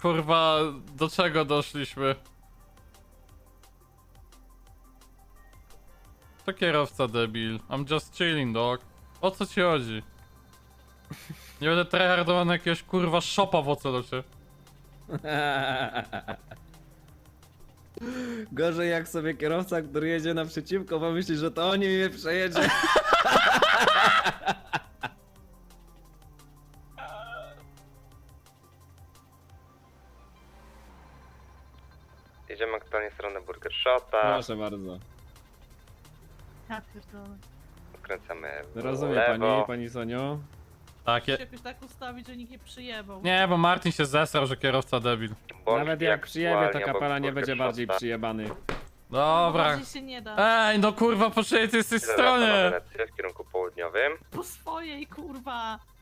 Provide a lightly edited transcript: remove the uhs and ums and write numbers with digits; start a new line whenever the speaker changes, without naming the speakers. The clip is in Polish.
kurwa, do czego doszliśmy? To kierowca debil. I'm just chilling, dog. O co ci chodzi? Nie będę tryhardował na jakiegoś kurwa szopa w ocelocie.
Gorzej jak sobie kierowca, który jedzie naprzeciwko, bo myśli, że to oni mnie przejedzie.
Jedziemy aktualnie w stronę Burger Shota.
Proszę bardzo.
Ja pierdolę.
Kręcamy w
Rozumie
lewo.
pani Sonio.
Tak,
Muszę jakoś tak ustawić, że nikt nie przyjebał.
Nie, bo Martin się zesrał, że kierowca debil.
Bądź
Nawet jak przyjebie, to
aktualnie
kapela
obok
nie
Burger
będzie bardziej
Shota.
przyjebany.
Dobra.
Bardziej się nie da.
Ej, no kurwa, po czyjej ty jesteś
Zawracamy
stronie?
Wenecję w kierunku południowym.
Po swojej, kurwa.